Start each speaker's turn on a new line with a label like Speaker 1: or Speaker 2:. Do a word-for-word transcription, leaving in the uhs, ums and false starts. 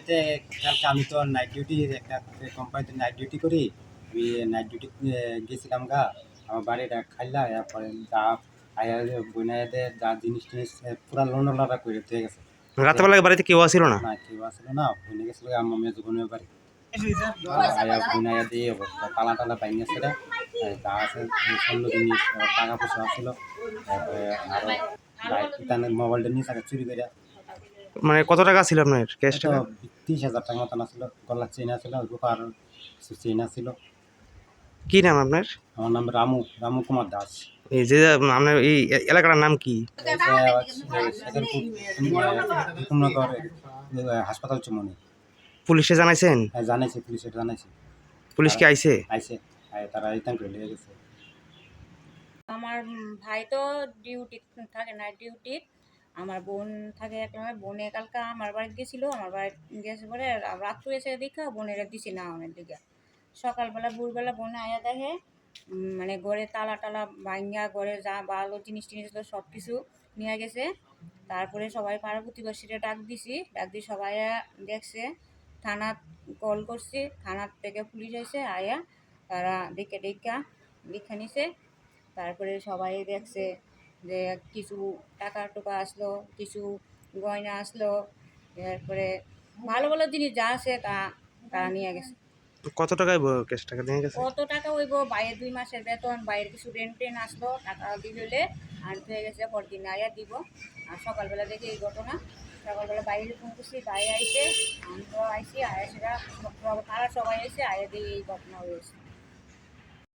Speaker 1: বাড়িতে কালকে আমি তো নাইট ডিউটি একটা কোম্পানিতে নাইট ডিউটি করি। আমি নাইট ডিউটি গেছিলাম গা আমার বাড়িটা খাইলা এরপরে যা আয়া বইনাইদের যা জিনিস টিনিস পুরা লোন লড়া করে দিয়ে গেছে।
Speaker 2: রাতেবেলা বাড়িতে কেউ আসিল না?
Speaker 1: না কেউ আসলো না, বইনে গেছিল আমার মেয়ে বোনের বাড়ি। আয়া বইনাইয়া দিয়ে অবস্থা তালা টালা বাইনে ছিল, যা আছে স্বর্ণ জিনিস টাকা পয়সা আসছিল, তারপরে আরো বাইক মোবাইলটা নিয়ে থাকে চুরি করে।
Speaker 2: মানে কত টাকা ছিল আপনার ক্যাশ টাকা?
Speaker 1: তিরিশ হাজার টাকা মতন আসছিল, গলার চেন আছিল, রূপার চেন আছিল।
Speaker 2: কি নাম আপনার?
Speaker 1: আমার নাম রামু রামু কুমার দাস।
Speaker 2: এই যে আপনার এই এলাকার নাম কি?
Speaker 1: হুকুমনগর হাসপাতাল চুমনি।
Speaker 2: পুলিশে জানাইছেন?
Speaker 1: হ্যাঁ জানাইছি, পুলিশে জানাইছি।
Speaker 2: পুলিশ কি আইছে?
Speaker 1: আইছে, তারা রিটার্ন করে নিয়ে গেছে।
Speaker 3: আমার ভাই তো ডিউটি থাকে, নাইট ডিউটি। আমার বোন থাকে একটা, বোনে কালকে আমার বাড়িতে গেছিল, আমার বাড়িতে গেছে পরে রাত্রে এসে দেখা বোনের দিছি না অনেক দিকে। সকালবেলা ভোরবেলা বোনে আয়া দেখে মানে ঘরে তালা টালা ভাঙ্গা, ঘরে যা ভালো জিনিস টিনিস ছিল সব কিছু নিয়ে গেছে। তারপরে সবাই পাড়া প্রতিবেশীরা ডাক দিছি, ডাক দিয়ে সবাই দেখছে, থানা কল করছি, থানার থেকে পুলিশ এসে আয়া তারা দেখে দেখা লিখে নিছে। তারপরে সবাই দেখছে যে কিছু টাকা টোকা আসলো, কিছু গয়না আসলো, এরপরে ভালো ভালো জিনিস যা আছে তা তারা নিয়ে গেছে।
Speaker 2: কত টাকায় ক্যাশ টাকা নিয়ে গেছে?
Speaker 3: কত টাকা হইব, বাইরের দুই মাসের বেতন, বাইরের কিছু রেন্ট টেন আসলো, টাকা দিয়ে হলে আনতে হয়ে গেছে, পরদিন আয়া দিব। আর সকালবেলা দেখে এই ঘটনা, সকালবেলা বাইরে ফোন করছি, বাইরে আইসে, আমি তো আইসি, আয়া সেটা তারা সবাই এসে আয়া দিয়ে এই ঘটনা হয়েছে।